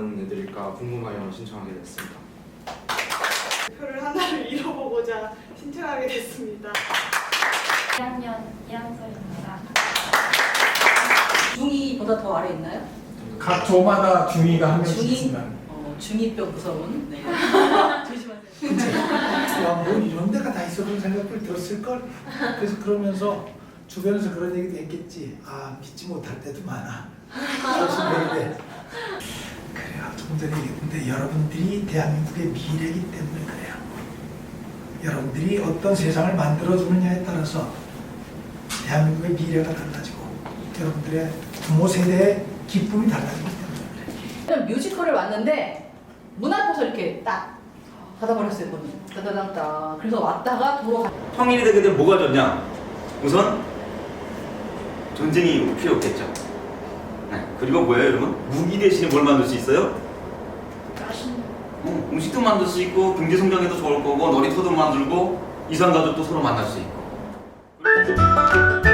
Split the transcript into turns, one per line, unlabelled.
어떤 애들일까 궁금하여 신청하게 됐습니다.
목표를 하나를 이뤄보고자 신청하게 됐습니다.
2학년 이한솔입니다.
중2보다 더 아래 있나요?
각 조마다 중위가 한 명씩
중위?
있습니다.
중2병 무서운. 네. 조심하세요.
뭐 이런 데가 다 있어도 생각을 들었을걸? 그래서 그러면서 주변에서 그런 얘기도 했겠지. 아, 믿지 못할 때도 많아. 조심해야 그래요. 조금 전에 얘기했는데 여러분들이 대한민국의 미래이기 때문에 그래요. 여러분들이 어떤 세상을 만들어주느냐에 따라서 대한민국의 미래가 달라지고 여러분들의 부모 세대의 기쁨이 달라지기 때문에 그래요.
뮤지컬을 왔는데 문 앞에서 이렇게 딱 닫아버렸어요, 문을. 따다닥다. 그래서 왔다가 돌아가.
성인이 되게 되면 뭐가 좋냐? 우선 전쟁이 필요 없겠죠. 네. 그리고 뭐예요, 여러분? 무기 대신에 뭘 만들 수 있어요? 음식도 만들 수 있고 경제 성장에도 좋을 거고 놀이터도 만들고 이산가족도 서로 만날 수 있고.